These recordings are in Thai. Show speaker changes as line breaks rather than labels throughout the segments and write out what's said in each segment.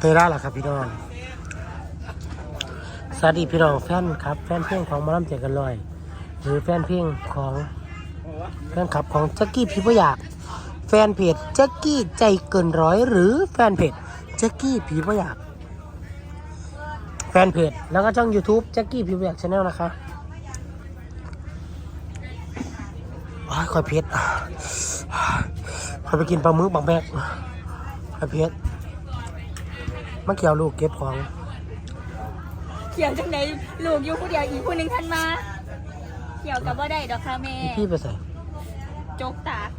ยได้หรอครับพี่น้องสวัสดีพี่น้องแฟนครับแฟนเพลงของหมอลำใจเกินร้อยหรือแฟนเพลงของแฟนคลับของแจ็คกี้พี่ผู้อยากแฟนเพจแจ็คกี้ใจเกินร้อยหรือแฟนเพจแจ็คกี้พี่ผู้อยากแฟนเพจแล้วก็ช่อง YouTube แจ็คกี้พี่ผู้อยาก Channel นะคะคอยเพชรคอยไปกินปลาหมึกบางแบกคอยเพชรมาเกี่ยวลูกเก็บของ
เกี่ยวจังไหนลูกอยู่ผู้เดียวอีกผู้หนึ่งทันมาเกี่ยวกับว่าได้ดอกค่ะแม่
พี่ไปใส่
โจกตาคน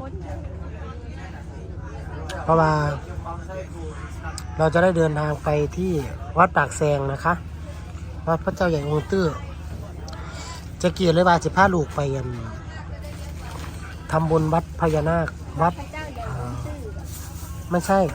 เพราะว่าเราจะได้เดินทางไปที่วัดปากแซงนะคะวัดพระเจ้าใหญ่องค์ตื้อจะเกี่ยวเลยว่าจะพาลูกไปกันทำบุญวัดพญานาควัดไม่ใช่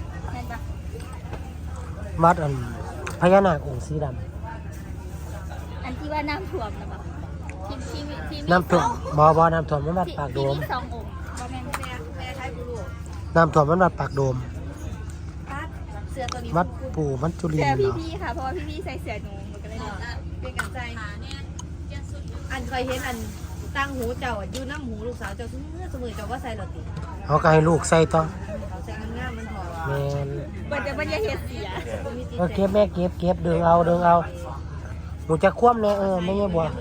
วัดพญานาคองค์สีดำ
อันที่ว่าน้ำท่วมนะบอกที่
น้ำท่วมบอน้ำท่วมมันวัดปากโดม
ที่2 องค์บ่แม่นแม่ใช้บุรุษ
น้ำท่วมมันวัดปากโดม
เสือตัวนี้
วัดปู่มันจุลิน
เสือ
เนาะ
พี่ค่ะเพราะว่าพี่ใส่เสือหนูมันก็เลย
เป็นกันใจอันเคยเห็นอันตั้งหูเจ้าอยู่น้ำหูลูกสาวเจ้าทุกเมื่อสมือเจ้าว่าใส่หรอติ
เขาก็ให้ลูกใส่ต่อ
เขาใส่งามมันหอม
แมน
มันจะเห็ดเสีย
เก็บแม่เก็บดึงเอาหนูจะคว่ำเลยไม่ใช่บัว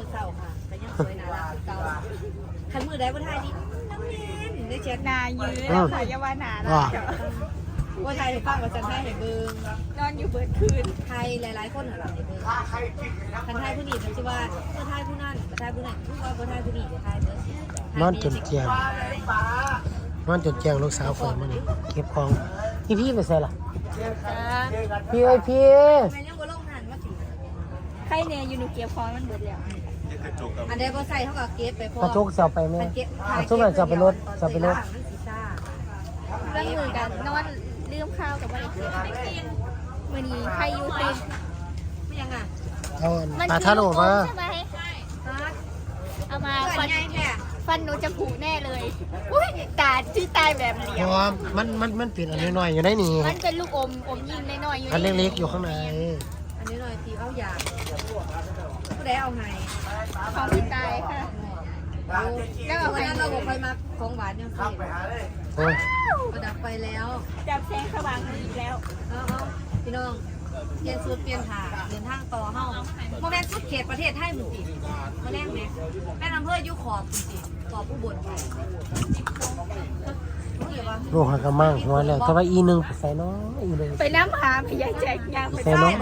ขันมือได้บ่ทายดิน้ำเย็นได้เช็ด
นายื้อแล้วค่ะยาวานาแล้ว
ว่าไทยฟังว่าจันไทยเห็นเบิ้ง
นอนอยู่เบิดคืน
ไทยหลายๆคนเหรอเห็นเบิ้งคันไทยผู้นี้มันชื่อว่าไทยผู้นั้นไทยผู้นั้นผู้ว่าไทยผู้นี้ไทยเบิ้ง
นอนจนเจียงลูกสาวฝนมาเนี่ยเก็บของพี่ไปใส่ล่ะพี่
แม่ยังบ่ลงหันว่าสิ
ใครเนี่ยอยู่หนูเก็บของมันเบิดแล้ว
อันใดบ่ใส่เท่ากับเก็บไปพอก
ระจกเสียไปไหมกระจกอะไรจะไปรถ
เรื่องมือกันนอนลืมข้าวกับอะไรมือนี้ใครอยู่ติด
ไม่ยังอ่ะ
ปลาท่าโลมา
ใช่ไหมเอามาฟันหนูจะผุแน่เลยอุ้ยตาที่ตายแบบเหลี่ยม
มันเปลี่ยนอันน้อยๆอยู่ได้นี่
มันเป็นลูกอมยิงน้อยๆอยู่
อันเล็กๆอยู่ข้างใน
อันนี้หน่อยทีเอาอยากผู้ใดเอาไง
ของพี่ตายค่ะ
แล้วเอาไว้เราบอกไปมาของหวานยังสิประดับไปแล้ว
จับแสงสว่างอีกแล้ว
พี่น้องเปลี่ยนสูตรเปลี่ยนขาเดินทางต่อเฮ้าโมเมนต์สุดเขตประเทศไทยหมู่ติมาแรกเนี่ยแม่อำเภอยุขอบติขอบผู้บน
ลูกหักกระมังหัวแล้วแต่ว่า1ไปใส่น้อย1
ไปน้ำหาพยายแจกยางไป
ใส่น้อย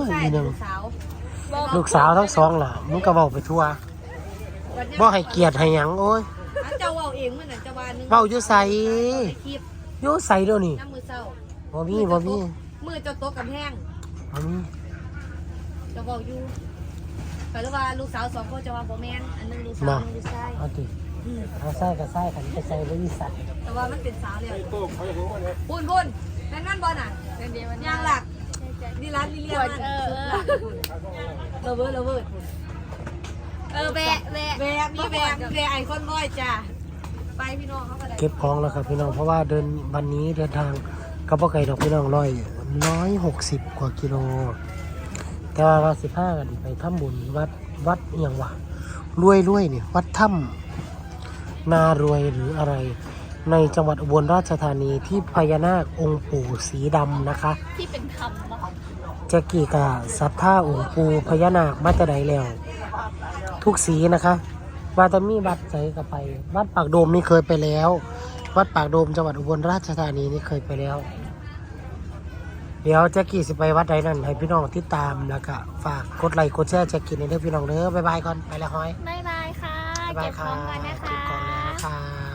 ลูกสาวทั้งสองล่ะมึงก็บอกไปทั่วบ่ให้เกียรติให้หยังโอ้ย
เจ้าเว้าเองเหมือนเจ้าบ้านนึง
เว้าอยู่ใส่อยู่ใส่เดี๋ยวนี้
น้ำมือเศร้า
บ่มี
มือเจ้าโต๊ะกับแห้ง
บ่มี
เจ้าเว้าอยู่แต่ว่าลูกสาว2คนจะว่าบ่แม่นอันนึงลูกสาวนึงลูกชาย
เอาติเอาใส่ก็ใส่กันไปใส่บ่มีสัตว์
แต่ว่ามันเป็นสาวแล้วพุ่นนั่นบอลน่ะยางหลักนี่ร้านลิเลียมันเราเวอร์
แบ
มีไอคอนบอยจ้ะไปพี่น้องเขา
เก็บของแล้วครับพี่น้องเพราะว่าวันนี้เดินทางกับพ่อไก่ดอกพี่น้อง160 กว่ากิโลแต่ว่า15กันไปทำบุญวัดเอียงวะรวยเนี่ยวัดถ้ำนารวยหรืออะไรในจังหวัดอุบลราชธานีที่พญานาคองค์ปู่สีดำนะคะ
ที่เป็นธรรม
จะกี่กะศรัทธาองค์ปู่พญานาคมาแต่ใดแล้วทุกสีนะคะว่าจะมีวัดใจกับไปวัดปากโดมนี่เคยไปแล้ววัดปากโดมจังหวัดอุบลราชธานีนี่เคยไปแล้วเดี๋ยวแจ็คกี้สิไปวัดใดนั่นให้พี่น้องติดตามแล้วก็ฝากกดไลค์กดแชร์แจ็คกี้ในเด้อพี่น้องเด้อบ๊ายบายก่อนไปแล้วฮ้อย
บ๊ายบายค่ะเก็บของกันนะคะ